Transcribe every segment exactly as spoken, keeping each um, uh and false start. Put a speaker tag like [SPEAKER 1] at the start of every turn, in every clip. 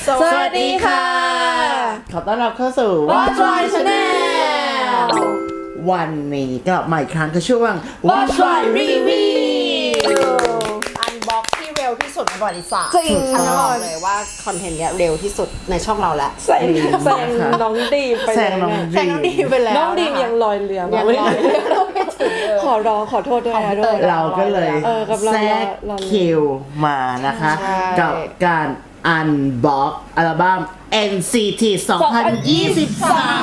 [SPEAKER 1] สวัสดีค่ะ
[SPEAKER 2] ขอต้อนรับเข้าสู่
[SPEAKER 1] Watch My Channel
[SPEAKER 2] วันนี้กลับมาอีกครั้งกับช่วง
[SPEAKER 1] Watch My Review อันบ็อกที่เร็วที่สุดในประวัติศาสตร์
[SPEAKER 3] จริง
[SPEAKER 1] ฉันจะบอกเลยว่าคอนเทนต์เนี้ยเร็วที่สุดในช่องเราแล้ว
[SPEAKER 3] แซงแซงน้องดีมไป
[SPEAKER 2] แซ
[SPEAKER 3] เลย
[SPEAKER 2] งน้อง
[SPEAKER 1] แซงน้องดีมไปแล้ว
[SPEAKER 3] น้องดีมยังลอยเรือ
[SPEAKER 1] ยั
[SPEAKER 3] มาง ไม่
[SPEAKER 1] ลอยเรือไม่ถึงเลย
[SPEAKER 3] ขอร้องขอโทษด้วยนะด้วย
[SPEAKER 2] เราก็เลย
[SPEAKER 3] เออกับเรา
[SPEAKER 2] แทรก
[SPEAKER 3] เรา
[SPEAKER 2] คิวมานะคะ
[SPEAKER 1] ใช่
[SPEAKER 2] กับการอันบ็อกอัลบั้ม เอ็น ซี ที สองพันยี่สิบสาม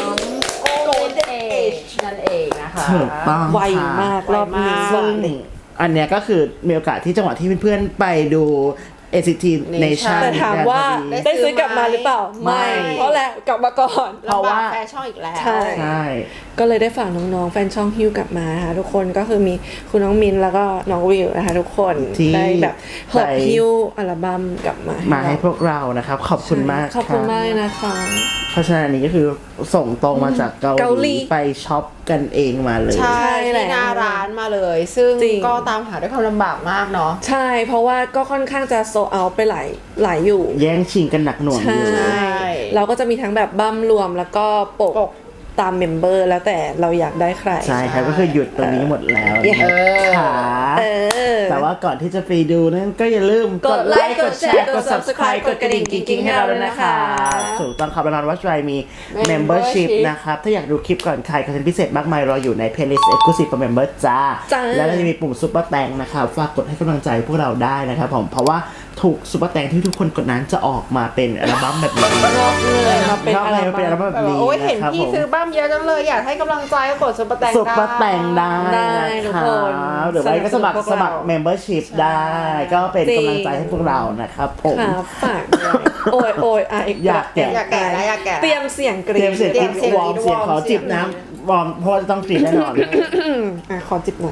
[SPEAKER 1] Golden Age นั่นเองนะคะ
[SPEAKER 2] ถูกต้อง
[SPEAKER 3] ไวมากรอบนี้
[SPEAKER 2] ซึ่งอันเนี้ยก็คือมีโอกาสที่จังหวะที่เพื่อนๆไปดู เอ็น ซี ที Nation
[SPEAKER 3] แต่ถามว่า
[SPEAKER 1] ได้
[SPEAKER 3] ได้ซื้อกลับมาหรือเปล่า
[SPEAKER 2] ไม่
[SPEAKER 3] ไม่เพราะแหละกลับมาก่อน
[SPEAKER 2] เพราะว่า
[SPEAKER 1] แฟนช่องอีกแล้ว
[SPEAKER 3] ใช่
[SPEAKER 2] ใช่
[SPEAKER 3] ก็เลยได้ฝากน้องๆแฟนช่องฮิวกลับมานะคะทุกคนก็คือมีคุณน้องมินแล้วก็น้องวิวนะคะทุกคน
[SPEAKER 2] ที่
[SPEAKER 3] ได้แบบหอบ
[SPEAKER 2] ไป
[SPEAKER 3] ฮิวอัลบั้มกลับมา
[SPEAKER 2] มาให้พวกเรานะครับ ขอบคุณมาก
[SPEAKER 3] ขอบคุณ
[SPEAKER 2] รับ
[SPEAKER 3] มากนะคะ
[SPEAKER 2] เพราะฉะนั้นอันนี้ก็คือส่งตรงมาจากเกา
[SPEAKER 3] เกา
[SPEAKER 2] ห
[SPEAKER 3] หลี
[SPEAKER 2] ลีไปช็อปกันเองมาเลย
[SPEAKER 1] ใช่
[SPEAKER 3] ใช่แหละ
[SPEAKER 1] ที่หน้าร้านมาเลย ซึ่ง
[SPEAKER 3] จริง
[SPEAKER 1] ก็ตามหาด้วยความลำบากมากเนาะ
[SPEAKER 3] ใช่เพราะว่าก็ค่อนข้างจะโซเอาไปหลายหลายอยู่
[SPEAKER 2] แย่งชิงกันหนักหน่วงอยู่
[SPEAKER 3] ใช่ เราก็จะมีทั้งแบบบั้มรวมแล้วก็ปก
[SPEAKER 1] ปก
[SPEAKER 3] ตามเมมเบอร์แล้วแต่เราอยากได้ใคร
[SPEAKER 2] ใช่ครับก็คือหยุดตรงนี้หมดแล้ว
[SPEAKER 3] เออ
[SPEAKER 2] ขา
[SPEAKER 3] เออ
[SPEAKER 2] แต่ว่าก่อนที่จะไปดูนั้นก็อย่าลืม
[SPEAKER 3] กดไลค์กดแชร์กด Subscribe กดกระดิ่งกิ๊งๆให้เราด้วยนะคะ
[SPEAKER 2] ถูกต้องครับแล้วนอนวัชไรมี
[SPEAKER 1] Membership
[SPEAKER 2] Membership นะครับ ถ้าอยากดูคลิปก่อนใครคอนเทนต์พิเศษมากมายรออยู่ใน Playlist Exclusive for Member จ้า
[SPEAKER 3] จ้า
[SPEAKER 2] แล้วก็จะมีปุ่มซุปเปอร์แตงนะครับฝากกดให้กำลังใจพวกเราได้นะครับผมเพราะว่าถูกซุปเปอร์แตงที่ทุกคนกดนั้นจะออกมาเป็นอัลบั้มแบบนี้
[SPEAKER 3] รอบเลยมาเป็น
[SPEAKER 2] รอบ
[SPEAKER 3] อั
[SPEAKER 2] เล
[SPEAKER 3] ล
[SPEAKER 2] ยเป็นอัล
[SPEAKER 3] บั้
[SPEAKER 2] บั้
[SPEAKER 3] ม
[SPEAKER 2] มแบบนี้
[SPEAKER 1] โอ้ยเห็น
[SPEAKER 2] นะครับ
[SPEAKER 1] พี่
[SPEAKER 2] ผม
[SPEAKER 1] ซื้อบ้ามเยอะจังเลยอยากให้กำลังใจก็กดซุปเปอร์แตง
[SPEAKER 2] ซุปเปอร์แต่งได้
[SPEAKER 3] ได้
[SPEAKER 2] นะ
[SPEAKER 3] ทุก
[SPEAKER 2] ค
[SPEAKER 3] ค
[SPEAKER 2] รั
[SPEAKER 3] น
[SPEAKER 2] บหรือไม่ก็สมัคร
[SPEAKER 3] ส
[SPEAKER 2] ส
[SPEAKER 3] นั
[SPEAKER 2] มั
[SPEAKER 3] บ
[SPEAKER 2] ค
[SPEAKER 3] สนุ
[SPEAKER 2] ร
[SPEAKER 3] น
[SPEAKER 2] membership ได้ ก็เป็นกำลังใจให้พวกเรานะครับผม
[SPEAKER 3] ค่ะฝากด้วยโอ้ยโอ้ยอ่ะ
[SPEAKER 2] อยากแกะ
[SPEAKER 1] อยากแกะแล้วอยากแกะ
[SPEAKER 3] เตรียมเสียงกรี๊
[SPEAKER 2] เตรียมเสียง
[SPEAKER 1] เตรียมเสียง
[SPEAKER 2] วอร์มเสียงขอ
[SPEAKER 1] วอร์ม
[SPEAKER 2] จิบ
[SPEAKER 1] เสียง
[SPEAKER 2] น้ำวอร์มเพราะว่าต้องกรีดแน่นอน
[SPEAKER 3] อ่ะขอจิบน้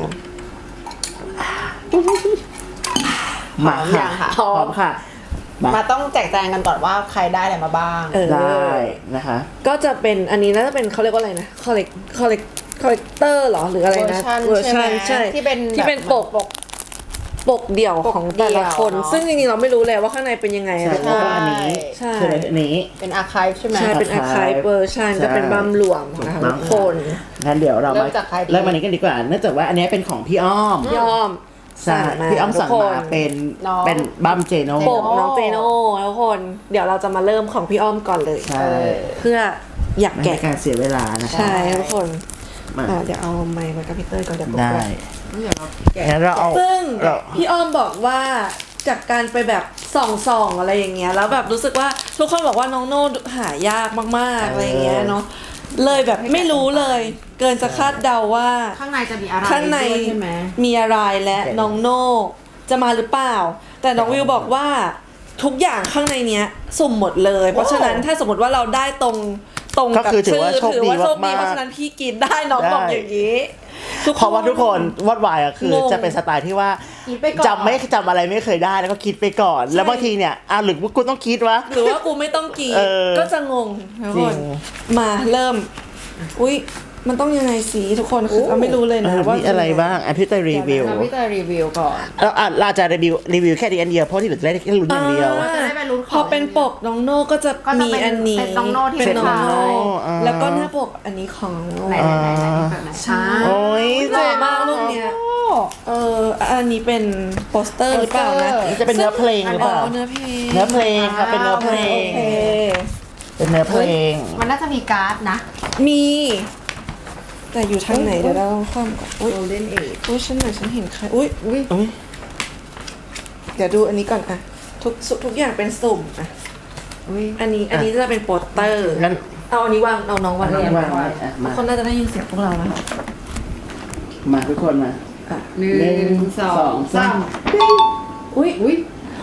[SPEAKER 2] มา
[SPEAKER 1] พร้อมยั
[SPEAKER 2] ค่ะ
[SPEAKER 1] งคะ
[SPEAKER 2] พร้อมค่ะมา
[SPEAKER 1] มาต้องแจกแจงกันก่อนว่าใครได้อะไรมาบ้าง
[SPEAKER 3] ำเออ
[SPEAKER 2] ได้นะคะ
[SPEAKER 3] ก็จะเป็นอันนี้น่าจะเป็นเขาเรียกว่าอะไรนะคอลเลกคอลเลกคอลเลกเตอร์หรอหรืออะไรนะ
[SPEAKER 1] เวอร์ชันใช่ไหม
[SPEAKER 3] ใช่
[SPEAKER 1] ที่เป็น
[SPEAKER 3] ที่เป็น
[SPEAKER 1] แบบ
[SPEAKER 3] ปก
[SPEAKER 1] ปก
[SPEAKER 3] ปกเดี่ยว
[SPEAKER 1] ปก
[SPEAKER 3] ของแต่ละคน
[SPEAKER 1] เดี่ยวเนอะ
[SPEAKER 3] ซึ่งจริงๆเราไม่รู้เลยว่าข้างในเป็นยังไง
[SPEAKER 2] ใช่
[SPEAKER 3] อะ
[SPEAKER 2] แล้วก็อันนี้
[SPEAKER 3] ใช่
[SPEAKER 2] ใช่ไหมอันนี้
[SPEAKER 1] เป็นอาร์คายใช่ไหม
[SPEAKER 3] ใช่เป็นอาคายเวอร์ชัน
[SPEAKER 2] ใช่
[SPEAKER 3] ก็เป็นบัมรวมนะคะ
[SPEAKER 2] ถูกต้
[SPEAKER 3] ทุ
[SPEAKER 2] อง
[SPEAKER 3] กคน
[SPEAKER 2] งั้นเดี๋ยวเรา
[SPEAKER 1] เริ่
[SPEAKER 2] มาม
[SPEAKER 1] จากใครดี
[SPEAKER 2] เริ่มอันนี้กันดีกว่าเนื่องจากว่าอันนี้เป็นของพี่อ้อม
[SPEAKER 3] ยอม
[SPEAKER 2] ใช่พี่อ้อมสั่งมาเป็น
[SPEAKER 1] น้อง
[SPEAKER 2] เป็นบัมเจโน
[SPEAKER 3] ปกน้องเจโน่ทุกคน เดี๋ยวเราจะมาเริ่มของพี่อ้อมก่อนเลย
[SPEAKER 2] ใช่
[SPEAKER 3] เพื่ออยาก
[SPEAKER 2] ไม่ให้
[SPEAKER 3] แกะ
[SPEAKER 2] การเสียเวลานะคะ
[SPEAKER 3] ใช่ทุกคน
[SPEAKER 2] มา
[SPEAKER 3] อ่ะเดี๋ยวเอาไมค์ไว้กับพี่เต้ยก่อนเดี๋ยวปก
[SPEAKER 2] ได้
[SPEAKER 3] ไว้
[SPEAKER 2] งั้นเราเอา
[SPEAKER 3] ซึ่ง
[SPEAKER 2] เรา
[SPEAKER 3] พี่อ้อมบอกว่าจากการไปแบบส่องๆอะไรอย่างเงี้ยแล้วแบบรู้สึกว่าทุกคนบอกว่าน้องโน่หายากมากๆอะไรอย่างเงี้ยเนาะเลยแบบไม่รู้เลย เกินจะคาดเดาว่า
[SPEAKER 1] ข้างในจะมีอะไร
[SPEAKER 3] ข้างใน
[SPEAKER 1] ด้วยใช่ไหม
[SPEAKER 3] มีอะไรและน้องโน่จะมาหรือเปล่า แต่น้องวิวบอกว่าทุกอย่างข้างในเนี้ยสุ่มหมดเลย เพราะฉะนั้นถ้าสมมติว่าเราได้ตรงตรง
[SPEAKER 2] ก็
[SPEAKER 3] กับ
[SPEAKER 2] คือถือ
[SPEAKER 3] ชื่อ
[SPEAKER 2] ว่าโชค
[SPEAKER 3] ถือ
[SPEAKER 2] ดี
[SPEAKER 3] ว่าโชคดี
[SPEAKER 2] มากๆ
[SPEAKER 3] เพราะฉะนั้นพี่กินได้น้อง
[SPEAKER 2] ได้
[SPEAKER 3] บอกอย่างนี้
[SPEAKER 2] เพราะว่าทุกคนวอดวายอะคือง
[SPEAKER 3] ง
[SPEAKER 2] จะเป็นสไตล์ที่ว่า
[SPEAKER 1] คิดไปก่อน
[SPEAKER 2] จำไม่จำอะไรไม่เคยได้แล้วก็คิดไปก่อน แล้วบางทีเนี่ยอ่ะหรือว่ากูต้องคิดวะ
[SPEAKER 3] หรือว่ากูไม่ต้องกิน
[SPEAKER 2] เออ
[SPEAKER 3] ก็จะงงทุก
[SPEAKER 2] จริ
[SPEAKER 3] ค
[SPEAKER 2] ง
[SPEAKER 3] นมาเริ่ม อุ้ยมันต้องยังไงสีทุกคนคือเราไม่รู้เลย
[SPEAKER 2] เอ
[SPEAKER 3] นะ
[SPEAKER 2] อ
[SPEAKER 3] ว่า
[SPEAKER 2] มีอะไรบ้างอ่ะพี่เตยรีวิว
[SPEAKER 1] เดี๋ยนะพี่เตยรีวิวก่อน
[SPEAKER 2] แล้วอ่ะเราจะรีวิวรีวิวแค่ดีอันเดียวเพราะที่เหลือจะได้แค่ลุ้นอย่างเดียว
[SPEAKER 3] อ่า
[SPEAKER 1] จะได้ไปลุ้นของ
[SPEAKER 3] พอเป็นปกน้องโน่ก็จะ
[SPEAKER 1] ก็จะ
[SPEAKER 3] มี
[SPEAKER 1] เป็น
[SPEAKER 3] อันนี้
[SPEAKER 1] เป็นน้องโน่ที่
[SPEAKER 3] เป็นน้องโน่
[SPEAKER 2] เป็นน้องโน่อ่า
[SPEAKER 3] แล้วก็หน้าปกอันนี้ของน้องโน่
[SPEAKER 1] ไหนไหนไหนไหนแบบไหนช้า
[SPEAKER 2] โอ้ย
[SPEAKER 3] สวยมากรูปเนี้ยเอออันนี้เป็นโปสเตอร์หรือเปล่านะ
[SPEAKER 1] โปสเตอร์
[SPEAKER 2] นี่จะเป็นเนื้อเพลงหรือ
[SPEAKER 3] อ๋
[SPEAKER 2] เป
[SPEAKER 3] อ
[SPEAKER 2] ล่า
[SPEAKER 3] เนื้อเพลง
[SPEAKER 2] เนื้อเพลงครับเป็นเนื้อเพลง
[SPEAKER 3] โอเค
[SPEAKER 2] เป็นเนื้อเพลง
[SPEAKER 1] มันน่าจะมีการ์ดนะ
[SPEAKER 3] มี แต่อยู่ทางไหนเดี๋ยวเราต้องคว่ำก่อนอุ้ย
[SPEAKER 1] Golden Age
[SPEAKER 3] อุ้ยฉันไหนฉันเห็นใครอุ้ยอุ้ย
[SPEAKER 2] อุ้ย
[SPEAKER 3] เดี๋ยวดูอันนี้ก่อนอะทุกทุกอย่างเป็นสุ่มอะ
[SPEAKER 1] อุ้ย
[SPEAKER 3] อันนี้อันนี้จะเป็นโปสเตอร์
[SPEAKER 2] งั้น
[SPEAKER 3] เอาอันนี้วางเอาน้องวาง
[SPEAKER 2] อันนี้
[SPEAKER 3] เรียน
[SPEAKER 2] วางไว้อ่ะ
[SPEAKER 3] ทุ
[SPEAKER 2] มาก
[SPEAKER 3] คนน่าจะได้ยินเสียงพวกเราแล้วค่ะ
[SPEAKER 2] มาทุกคนมา
[SPEAKER 3] อ่ะ
[SPEAKER 1] หนึ่งสองสาม
[SPEAKER 3] อุ้ย
[SPEAKER 1] อุ้ย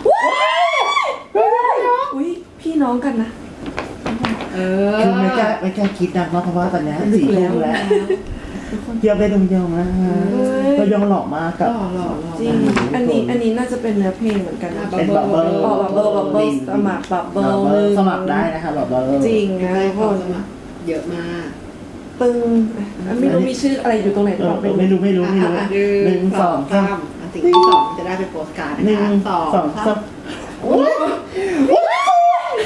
[SPEAKER 3] อุ้ยพี่น้องกันนะ
[SPEAKER 1] เอ
[SPEAKER 2] คือไม่กล้า
[SPEAKER 1] อ
[SPEAKER 2] ไม่กล้าคิดนะเพราะว่าตอนเนี้ยสี่ทุ่มแล้วเทียบได้ดงยองนะฮะก็ยองหล่อมากกับ
[SPEAKER 3] จริงอันนี้อันนี้น่าจะเป็นเนื้อเพลงเหมือนกันนะ
[SPEAKER 2] เป็นบับเบิ้ล
[SPEAKER 3] อ๋อบับเบิ้ลบับเบิ้ลสมัครบับเบิ้ล
[SPEAKER 2] สมัครได้นะคะบับเบิ้ล
[SPEAKER 3] จริงนะทุกคน
[SPEAKER 1] เยอะมาก
[SPEAKER 3] ปึ้งอ่ะไม่รู้มีชื่ออะไรอยู่ตรงไหนหรือเปล่า
[SPEAKER 2] เออไม่รู้ไม่รู้ไม่รู้หนึ่งสองสาม
[SPEAKER 1] อันที่สองจะได้เป็นโปสการ์ด
[SPEAKER 2] หนึ่ง
[SPEAKER 1] นะคะ
[SPEAKER 2] สองสาม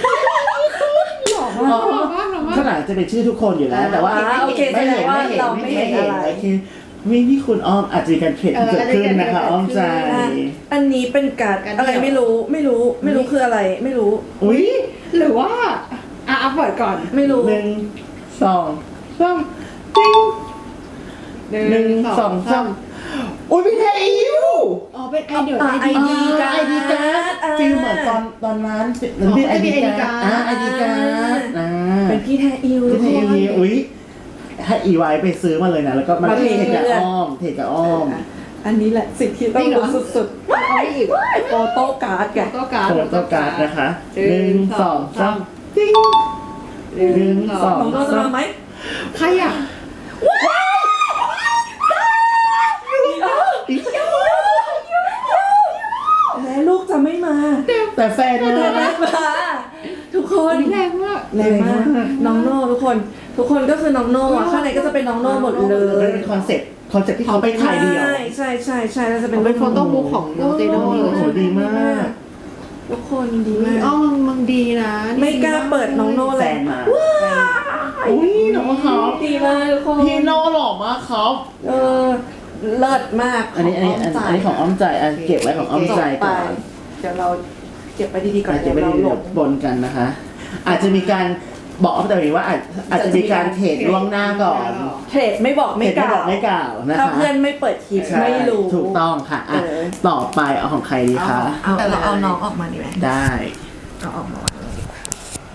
[SPEAKER 2] จะเป็นชื่อทุกคนอยู่แล้ว แต่ว่า
[SPEAKER 3] อ่าโอเค
[SPEAKER 2] ไม่เห็น
[SPEAKER 3] แสดงว่า
[SPEAKER 2] ไม่เห็น
[SPEAKER 3] เราไม่เห็นอะไร
[SPEAKER 2] โอเควิพี่คุณอ้อมอาจจะมีการเทรดเกิดขึ้นนะคะอ้อมใจ
[SPEAKER 3] อ่ะอันนี้เป็นการ์ดอะไรไม่รู้ไม่รู้ไม่รู้คืออะไรไม่รู้
[SPEAKER 2] อุ้ย
[SPEAKER 1] หรือว่าอ่ะเอาเปิดก่อน
[SPEAKER 3] ไม่รู้
[SPEAKER 2] หนึ่งสองสามติ้งหนึ่งสองสามอุ้ยพี่เทอิว
[SPEAKER 1] อ๋อเป็นไอเดีย
[SPEAKER 3] อ่ะ
[SPEAKER 1] ไอเดีย
[SPEAKER 3] ID การ์ด
[SPEAKER 2] ไอดีการ์ด
[SPEAKER 3] อ่า
[SPEAKER 2] ฟิลเหมือนตอนตอนนั้นหรือเป็นไอดีการ์ดอ่าไอดีการ์ดอ่า
[SPEAKER 3] เป็นพี่แทอิวทุ
[SPEAKER 2] พี่
[SPEAKER 3] ก
[SPEAKER 2] เท
[SPEAKER 3] คน
[SPEAKER 2] อิวอุ้ยให้อีไว้ไปซื้อมาเลยนะแล้วก็มา
[SPEAKER 3] มา
[SPEAKER 2] เท
[SPEAKER 3] เท
[SPEAKER 2] กับ
[SPEAKER 3] เพื่อน
[SPEAKER 2] อ้อมเทกับอ้อม
[SPEAKER 3] อันนี้แหละสิ่งที่ต้องรู้สุด
[SPEAKER 1] เอาไปอีก
[SPEAKER 3] ๆโฟโต้การ์ดแก
[SPEAKER 1] โต้การ์ด
[SPEAKER 2] โฟโต้การ์ดนะคะห
[SPEAKER 1] หนึ่
[SPEAKER 2] นึ่ง
[SPEAKER 1] ง
[SPEAKER 2] สองสามติ้งหนึ่งสอง
[SPEAKER 3] น้องโนจะ
[SPEAKER 2] สาม
[SPEAKER 3] มาไหม
[SPEAKER 1] ใครอ่ะ
[SPEAKER 3] แม้ลูกจะไม่มา
[SPEAKER 2] แต่แฟน
[SPEAKER 3] แต่
[SPEAKER 2] มา
[SPEAKER 3] แม่มาทุกคน
[SPEAKER 1] แรงมาก
[SPEAKER 3] แรงมากน้องโน่ทุกคน ทุกคนก็คือน้องโน่อะข้างในก็จะเป็นน้องโน่หมดเล
[SPEAKER 2] เลย ยเป็นคอนเซ็ปต์คอนเซ็ปต์ที่เขาไปถ่ายเดียว
[SPEAKER 3] ใช่ใช่ใช่ใช่แล้วจะเป็น
[SPEAKER 1] เป็นโฟโต้บุ๊กของน้องเจโน่
[SPEAKER 2] โอ้โหดีมาก
[SPEAKER 3] ทุกคนดีมาก
[SPEAKER 1] อ๋อมึงมึงดีนะ
[SPEAKER 3] ไม่กล้าเปิดน้องโน่
[SPEAKER 2] แฟ
[SPEAKER 3] เลย
[SPEAKER 2] นมาอุ้ยน้องเขา
[SPEAKER 3] ดีมากทุกคน
[SPEAKER 2] พี่โน่หล่อมากครับ
[SPEAKER 3] เออเลิศมาก
[SPEAKER 2] อันนี้อันนี้อันอันนี้ของอ้อมใจอันเก็บไว้ของอ้อมใจ
[SPEAKER 3] ไป
[SPEAKER 2] ก่อน
[SPEAKER 3] เดี๋ยวเราเก็บไปดีๆก่อน
[SPEAKER 2] อาจจะไม่ได้
[SPEAKER 3] เดี๋ยวเราล
[SPEAKER 2] เดี๋ยว
[SPEAKER 3] ง
[SPEAKER 2] บนกันนะคะ อาจจะมีการบอกอ้อมใจแบบนี้ว่าอาจอาจจะมีการเทรดล่วงหน้าก่อน
[SPEAKER 3] เทรดไม่บอก
[SPEAKER 2] เทร
[SPEAKER 3] ไม่
[SPEAKER 2] ด
[SPEAKER 3] ก
[SPEAKER 2] ไม่
[SPEAKER 3] ล่า
[SPEAKER 2] บอก
[SPEAKER 3] ว
[SPEAKER 2] ไม่กล่าวนะคะ
[SPEAKER 3] ถ้าเพื่อนไม่เปิดคลิป
[SPEAKER 2] ใช่
[SPEAKER 3] ไม่รู้
[SPEAKER 2] ถูกต้องค่ะอ่ะ
[SPEAKER 3] เออ
[SPEAKER 2] ต่อไปเอาของใครดีคะ
[SPEAKER 3] เอาแต่เราเอาน้องออกมาดีไหม
[SPEAKER 2] ได้
[SPEAKER 3] เอาออกมาวางเลยดีกว่า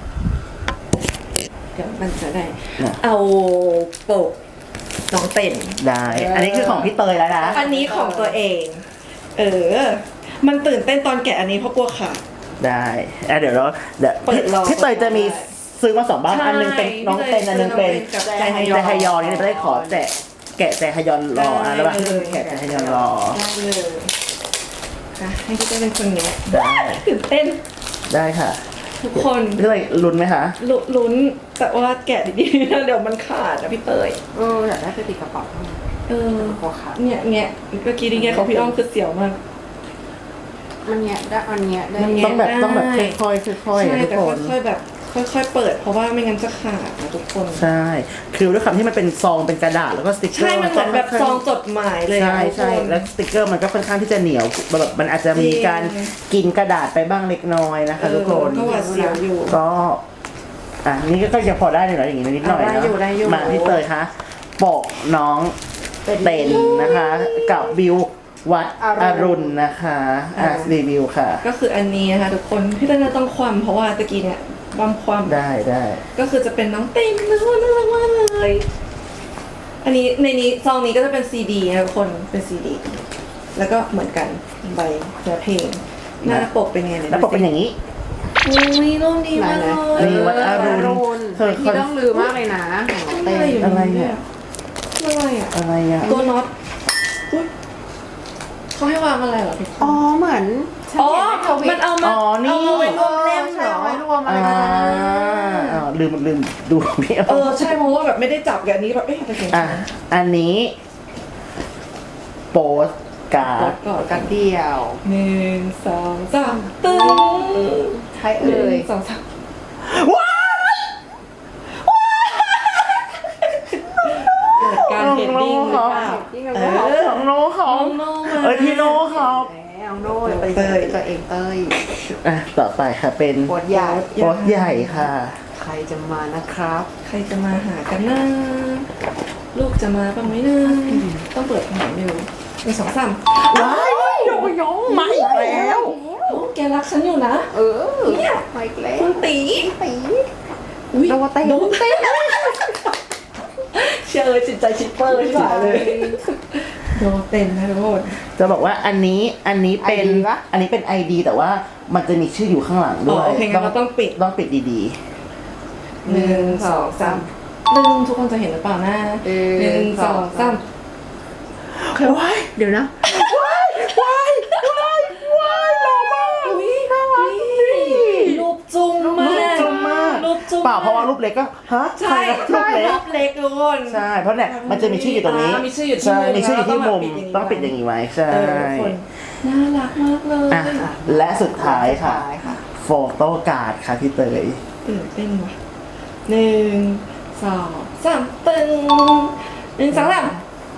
[SPEAKER 3] เดี๋ยวมันจะได้
[SPEAKER 2] นะ
[SPEAKER 3] เอาโปกน้องเต้น
[SPEAKER 2] ได้ อันนี้คือของพี่เตยแล้วนะ
[SPEAKER 3] อันนี้ของตัวเอง เออ มันตื่นเต้นตอนแกะอันนี้เพราะกลัวขาด
[SPEAKER 2] ได้อ่ะเดี๋ยวเราเดี๋ยว
[SPEAKER 3] เปิดรอ
[SPEAKER 2] พี่เตยจะมีซื้อมาสองบ้าน
[SPEAKER 3] ใช่
[SPEAKER 2] อันหนึงเป็นน้องเต้นอันหนึงเป็น
[SPEAKER 3] กับ
[SPEAKER 2] แจฮยอนแจฮยอนนี่จะได้ขอแจกแกะแจฮยอนรออ่ะแล้วบ้างที่เป็นแกะแจฮยอนรอ
[SPEAKER 3] ได้เลยค่ะให้พี่เต้นเป็นคนแงะ
[SPEAKER 2] ได้
[SPEAKER 3] ตื่นเต้น
[SPEAKER 2] ได้ค่ะ
[SPEAKER 3] ทุกคน
[SPEAKER 2] พี่เตยลุ้นไหมคะ
[SPEAKER 3] ลุลุ้นแต่ว่าแกะดีๆนะเดี๋ยวมันขาดนะพี่เตย
[SPEAKER 1] เอออยากได้ไปติดกระเป๋า
[SPEAKER 3] เออ
[SPEAKER 1] กลัวขาด
[SPEAKER 3] เนี่ยเนี่ยเมื่อกี้นี่ไงของพี่อ้อมคือเสียวมาก
[SPEAKER 1] มันเนี้ยได้อันเนี้ยได้
[SPEAKER 3] มัน
[SPEAKER 2] ต้องแบบ
[SPEAKER 3] ได้
[SPEAKER 2] ต้องแบบค่อยๆค่อยๆ
[SPEAKER 3] ใช่
[SPEAKER 2] นะทุก
[SPEAKER 3] แต่
[SPEAKER 2] คน
[SPEAKER 3] ค่อยๆแบบ ค่อยๆเปิด เพราะว่าไม่งั้นจะขาดนะทุกคน
[SPEAKER 2] ใช่ คือด้วยความที่มันเป็นซองเป็นกระดาษแล้วก็สติกเกอ
[SPEAKER 3] ใช่
[SPEAKER 2] ร์
[SPEAKER 3] มันเหมือนแบบซองจดหมายเลยอะ
[SPEAKER 2] ใช่
[SPEAKER 3] ทุก
[SPEAKER 2] ใช่
[SPEAKER 3] คน
[SPEAKER 2] แล้วสติกเกอร์มันก็ค่อนข้างที่จะเหนียวแบบมันอาจจะมีการกินกระดาษไปบ้างเล็กน้อยนะคะทุกคน
[SPEAKER 3] เออก็หวาดเสียวอยู่
[SPEAKER 2] ก็อ่ะนี่ก็จะพอได้อยู่แล้วอย่างนี้นิดหน่อย
[SPEAKER 3] อ่ะได้
[SPEAKER 2] นะ
[SPEAKER 3] อยู่ได้อยู่
[SPEAKER 2] มาพี่เตยคะปกน้องเต็นนะคะ กับบิววัดอรุณนะคะอ่ะรีวิวค่ะ
[SPEAKER 3] ก็คืออันนี้นะคะทุกคน พี่เต้นต้องความเพราะว่าตะกี้เนี่ยบัมความ
[SPEAKER 2] ได้ได้
[SPEAKER 3] ก็คือจะเป็นน้องเต็มน่ารักน่ารักมากเลย อันนี้ในนี้ซองนี้ก็จะเป็นซีดีนะทุกคน เป็นซีดี แล้วก็เหมือนกันใบเนื้อเพลง หน้าปกเป็นไงเนี่ย
[SPEAKER 2] แล้วปกเป็นอย่างนี้
[SPEAKER 3] อุ้ยรูปดีมากเลย
[SPEAKER 2] นี่วัดอรุณ
[SPEAKER 1] เธอที่ต้องลืมมากเลยนะของเต้
[SPEAKER 3] อะไรอยู่
[SPEAKER 2] อะไร
[SPEAKER 3] ใน
[SPEAKER 2] เนี่
[SPEAKER 3] เนี่ย ยอะไรอ่ะ
[SPEAKER 2] อะไรอ่ะ
[SPEAKER 3] ตัวน็อตอุ๊ยเขาให้วางอะไรเหรอพี่
[SPEAKER 1] อ๋อเหมือนฉัน
[SPEAKER 3] อ๋อ
[SPEAKER 1] เห็นในทวิ
[SPEAKER 3] มัน
[SPEAKER 1] ต
[SPEAKER 3] เอามา
[SPEAKER 2] อ๋อนี่
[SPEAKER 3] เอามาไว้รวม
[SPEAKER 1] เล่
[SPEAKER 3] เล่
[SPEAKER 1] ม
[SPEAKER 3] ม
[SPEAKER 1] ใช่
[SPEAKER 3] เหรอ
[SPEAKER 1] เอาไว้รวมอะไร
[SPEAKER 2] อ่า
[SPEAKER 1] กันนะ
[SPEAKER 2] อ่าลืมลืมดูพี่เอา
[SPEAKER 3] เออใช่เพราะว่าแบบไม่ได้จับกับอันนี้แบบเอ๊ะอะไรกัน
[SPEAKER 2] อ่ะอันนี้โปสการ์ด
[SPEAKER 3] ก่อน
[SPEAKER 1] กันเดียว
[SPEAKER 3] หนึ่งสองสามตึ้ง
[SPEAKER 1] ใช่
[SPEAKER 3] ห
[SPEAKER 1] เอ่
[SPEAKER 3] นึ่
[SPEAKER 1] ย
[SPEAKER 3] งสองสาม
[SPEAKER 2] ว้าย
[SPEAKER 3] เกิดการเฮดดิ้งหรือเปล่า
[SPEAKER 1] ยิ่งเรา
[SPEAKER 3] เอ
[SPEAKER 1] ก็
[SPEAKER 3] อ
[SPEAKER 2] ของโน้เขา
[SPEAKER 3] น้องโน่มา
[SPEAKER 2] เอ้ยพี่โน้เขา
[SPEAKER 1] แล้วโน่ไป
[SPEAKER 3] เต้ย
[SPEAKER 1] ตัวเองเต้ย
[SPEAKER 2] อ่ะต่อไปค่ะเป็น
[SPEAKER 1] โคตรใหญ่
[SPEAKER 2] โปสใหญ่ค่ะ
[SPEAKER 1] ใครจะมานะครับ
[SPEAKER 3] ใครจะมาหากันนะลูกจะมาบ้างไหมนะต้องเปิดหาไม่รู้หนึ่งสองสาม
[SPEAKER 2] ว้ายยงยงมาอีกแล้ว
[SPEAKER 3] โอ้แกรักฉันอยู่นะ
[SPEAKER 1] เออ
[SPEAKER 3] เนี่ย
[SPEAKER 1] มาอีกแล้ว
[SPEAKER 3] คุณตี
[SPEAKER 1] ตี
[SPEAKER 3] อุ๊ย
[SPEAKER 1] โดนเต้น
[SPEAKER 3] โดนเต้นเชื่อเลยจิตใจชิปเปอร์ใช่เลยโดนเต้นนะทุกคน
[SPEAKER 2] จะบอกว่าอันนี้อันนี้เป็นอันนี้เป็น ไอ ดี แต่ว่ามันจะมีชื่ออยู่ข้างหลัง
[SPEAKER 3] อ๋
[SPEAKER 2] ด้
[SPEAKER 3] อ
[SPEAKER 2] วย
[SPEAKER 3] โอเคงั้นเราต้องปิด
[SPEAKER 2] ต้องปิดดี
[SPEAKER 3] หนึ่งสองสามหนึ่งทุกคนจะเห็นหรือเปล่านะหนึ่งสองสาม
[SPEAKER 2] ๆว้าย
[SPEAKER 1] เดี๋ยวนะ
[SPEAKER 2] ว้ายว้ายว้ายว้ายหล่อมาก
[SPEAKER 3] อุ้ยรูปจุ้มมาก
[SPEAKER 2] รูปจุ้มมาก
[SPEAKER 3] รูปจุ้ม
[SPEAKER 2] เปล่าเพราะว่ารูปเล็กก็ฮะ
[SPEAKER 3] ใช่
[SPEAKER 2] รูปเล็ก
[SPEAKER 3] รูปเล็กทุกคน
[SPEAKER 2] ใช่ เพราะเนี่ยมันจะมีชื่ออยู่ตรงนี้
[SPEAKER 3] อ่ามีชื่ออยู่ที่
[SPEAKER 2] ใช่
[SPEAKER 3] มุม
[SPEAKER 2] มีชื่ออยู่ที่มุม
[SPEAKER 3] แล้ว
[SPEAKER 2] ต้
[SPEAKER 3] ต้
[SPEAKER 2] อ
[SPEAKER 3] อง งปิ
[SPEAKER 2] ปิด
[SPEAKER 3] ด
[SPEAKER 2] อ
[SPEAKER 3] อย่าง
[SPEAKER 2] ย่าง
[SPEAKER 3] นี้
[SPEAKER 2] นี้ไว้ใช่
[SPEAKER 3] เออทุกคนน่ารักมากเลย
[SPEAKER 2] อ่ะและสุดท้ายค่ะ
[SPEAKER 1] สุดท้ายค่ะ
[SPEAKER 2] โฟโต้การ์ดค่ะพี่เตย
[SPEAKER 3] ตื่นเต้นว่ะหนึ่งสองสามตึงหนึ่งสองสาม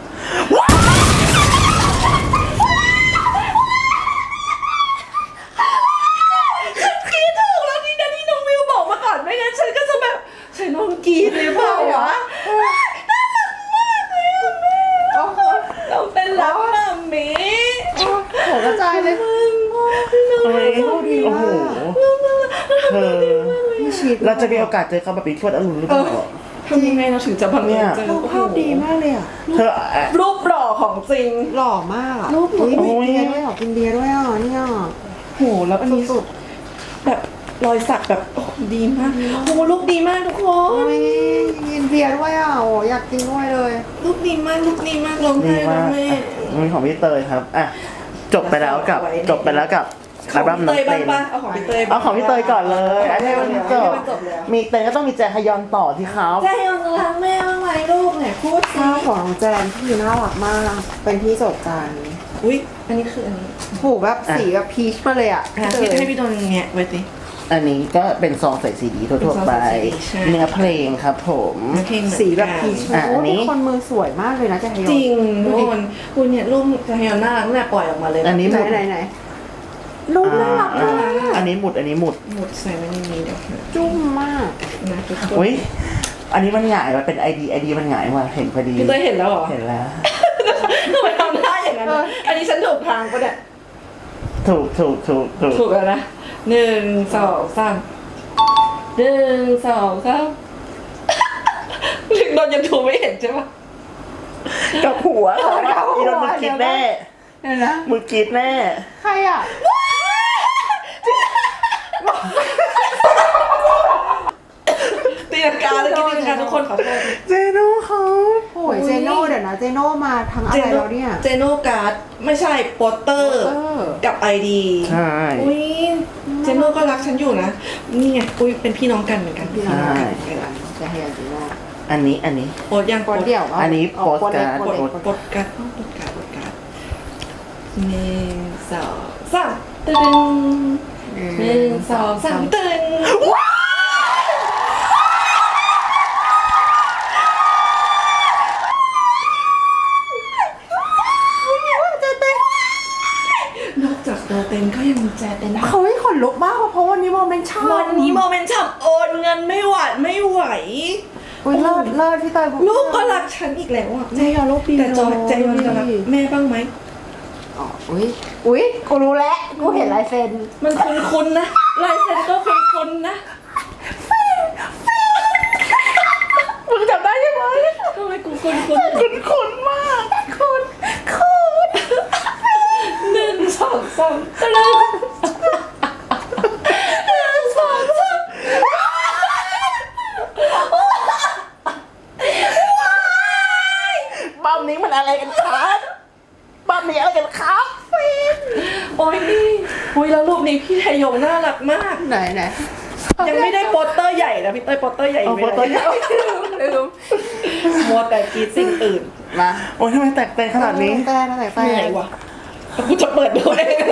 [SPEAKER 3] คิดถูกแล้วนี่นะที่น้องวิวบอกมาก่อนไม่งั้นฉันก็จะแบบใช่น้องกรีดเลยเปล่าวะเราเป็นรักมัมมี่
[SPEAKER 1] โหกระจายเลย
[SPEAKER 2] เฮ้ยโอ้โหเธอเราจะมีโอกาสเจอเขาแบบนี้ทวดอรุณหรือเปล่า
[SPEAKER 3] ทำยังไงเราถึงจะบังเอิญเจอ
[SPEAKER 1] ภาพดีมากเลยอ่ะ
[SPEAKER 2] เธอ
[SPEAKER 3] รูปหล่อของจริง
[SPEAKER 1] หล่อมากอ่ะ
[SPEAKER 3] รูปหล่อ
[SPEAKER 1] อุ๊ยมีเบียร์ด้วยเหรอกินเบียร์ด้วยอ่ะเนี่ย
[SPEAKER 3] โหแล้วอันนี้
[SPEAKER 1] สุด
[SPEAKER 3] แบบรอยสักแบบโอ้ดีมากโหรูปดีมากทุกค
[SPEAKER 1] ๆ
[SPEAKER 3] น
[SPEAKER 1] โอ้ยกินเบียร์ด้วยอ่ะโอ้อยากกินด้วยเลย
[SPEAKER 3] รูปดีมากรูปดีมากร้อง
[SPEAKER 2] ดี
[SPEAKER 3] ไห้ร้อ
[SPEAKER 2] มาง ก
[SPEAKER 3] ไห้
[SPEAKER 2] มีของพี่เตยครับอ่ะจบไปแล้วกับจบไปแล้วกับ
[SPEAKER 3] ข
[SPEAKER 2] อั
[SPEAKER 3] อง
[SPEAKER 2] ลบั้ม
[SPEAKER 3] พี่
[SPEAKER 2] น้
[SPEAKER 3] เต
[SPEAKER 2] อง
[SPEAKER 3] ย
[SPEAKER 2] เต้
[SPEAKER 3] บ้าง
[SPEAKER 2] น
[SPEAKER 3] ปะเอาของพี่เตย
[SPEAKER 2] เอาของพี่เตยก่อนเลยอันนี้มันจบ
[SPEAKER 3] จบแล้ว
[SPEAKER 2] มีเตยก็ต้องมีแจฮยอนต่อที่เขา
[SPEAKER 3] ใจยอนรักแม่บ้างไหมลูกเนี่ยพูดสิ
[SPEAKER 1] ข้าวของน้องแจนที่น่ารักมาก เป็นที่โจดจัน
[SPEAKER 3] อุ้ยอันนี้คืออันนี้
[SPEAKER 1] ผูกแบบสีแบบพีชมาเลยอ่ะ
[SPEAKER 3] อ่ะพี่ให้พี่โดนอย่างเงี้ยไว้สิ
[SPEAKER 2] อันนี้ก็เป็นซองใส่ซีดีทั่วๆไป
[SPEAKER 3] เป็นซองใส่ซีดีใช่
[SPEAKER 2] เนื้อเพลงครับผม
[SPEAKER 3] เพลงเหมือนกัน
[SPEAKER 1] สีแบบพีช
[SPEAKER 2] อ่ะ
[SPEAKER 1] โอ้
[SPEAKER 2] อันนี้
[SPEAKER 1] ทุกคนมือสวยมากเลยนะแจฮยอน
[SPEAKER 3] จริงทุกคนคุณเนี่ยรูปใจยอนน่ารักตั้งแต่ปล่อยออกมาเลย
[SPEAKER 2] อันนี้
[SPEAKER 1] ไหนไหนไหนรูปน่ารัก
[SPEAKER 2] อ่าม
[SPEAKER 1] าก
[SPEAKER 2] อันนี้หมุดอันนี้หมุด
[SPEAKER 3] หมดใส่ไว้ในนี้เดี๋ยวนะ
[SPEAKER 1] จุ้มมาก
[SPEAKER 3] นะทุกคน
[SPEAKER 2] อุ้ยอันนี้มันหงายมาเป็นไอดีไอดีมันหงายมาเห็นพอดี
[SPEAKER 3] พี่เตยเห็นแล้วเหรอ
[SPEAKER 2] เห็นแล้ว
[SPEAKER 3] ทำไมทำหน้าอย่างนั้นอะอันนี้ฉันถูกทางปะเนี่ย
[SPEAKER 2] ถูกถูกถูกถูก
[SPEAKER 3] ถูกแล้วนะหนึ่งสองสามหนึ่งสองสามถึงโดนยังถูกไม่เห็นใช่ปะ
[SPEAKER 2] กับหัวเขาว่าอีโดนมึงกินแน่
[SPEAKER 1] เห็นนะ
[SPEAKER 2] มึงกินแน่
[SPEAKER 1] ใครอ่ะ
[SPEAKER 3] ตีลังกาเลยตีลังกาทุกคนขอโทษ
[SPEAKER 2] เจโน่เขา
[SPEAKER 1] โอ้ยเจโน่เดี๋ยวนะเจโน่มาทั้งอะไรแล้วเนี่ย
[SPEAKER 3] เจโนการ์ดไม่ใช่โปสเตอร์
[SPEAKER 1] เออ
[SPEAKER 3] กับไอดี
[SPEAKER 2] ใช่
[SPEAKER 3] อุ้ยเจโนก็รักฉันอยู่นะนี่ไงอุ้ยเป็นพี่น้องกันเหมือนกัน
[SPEAKER 1] พี่น้องกันแจฮยอนเจโน่
[SPEAKER 2] อันนี้อันนี้
[SPEAKER 3] โพสยัง
[SPEAKER 1] คนเดียววะ
[SPEAKER 2] อันนี้โปสการ์ด
[SPEAKER 1] โปส
[SPEAKER 3] โพ
[SPEAKER 1] เล็ก
[SPEAKER 3] สโพสการ์ดโพสการ์ดโพสการ์ดหนึ่งสองสามตึงหนึ่งสองสามตึงนอกจากตัวเต็มก็ยังมีแจเต็ม
[SPEAKER 1] เขาให้ขนลุกมากเพราะวันนี้โมเมนต์ชอบ
[SPEAKER 3] วันนี้โมเมนต์ฉับโอนเงินไม่หวานไม่ไหว
[SPEAKER 1] อุ้ยเลิศเลิศพี่เตย
[SPEAKER 3] ลูกก็รักฉันอีกแล้วอ่ะ
[SPEAKER 1] เจยอนลูกดี
[SPEAKER 3] แต่จอยใจยอนจะรักแม่บ้างไหม
[SPEAKER 1] อ๋ออุ้ยอุ้ยกูรู้แล้วกูเห็นลายเซ็น
[SPEAKER 3] มันคุ้นๆนะลายเซ็นก็คุ้นๆนะ
[SPEAKER 2] มึงจำได้ใช่ไหม
[SPEAKER 3] ทำไมกูคุ้นๆ
[SPEAKER 2] คุณคุณมาก
[SPEAKER 3] คุณคุณหนึ่งสองสามตะลึงหนึ่งสองสาม
[SPEAKER 2] บ้ามนี้มันอะไรกันครับบ้ามนี้อะไรกันครับฟิน
[SPEAKER 3] โอ้ยโอ้ยแล้วรูปนี้พี่ไทยงน่ารักมาก
[SPEAKER 1] ไหนไหน
[SPEAKER 3] ยังไม่ได้โปสเตอร์ใหญ่นะพี่เต้ยโปสเตอร์ใหญ่
[SPEAKER 2] เอา
[SPEAKER 3] ไม่
[SPEAKER 2] โฟ
[SPEAKER 3] ได้
[SPEAKER 2] โต้ใหญ่
[SPEAKER 3] ลืมมัวแต่กรีดสิ่งอื่น
[SPEAKER 1] มา
[SPEAKER 2] โอ้ยทำไมแตกเตนขนาดนี้
[SPEAKER 1] แต่นะแต่แต่
[SPEAKER 3] เหนื่อยวะกูจะเปิดดูเอง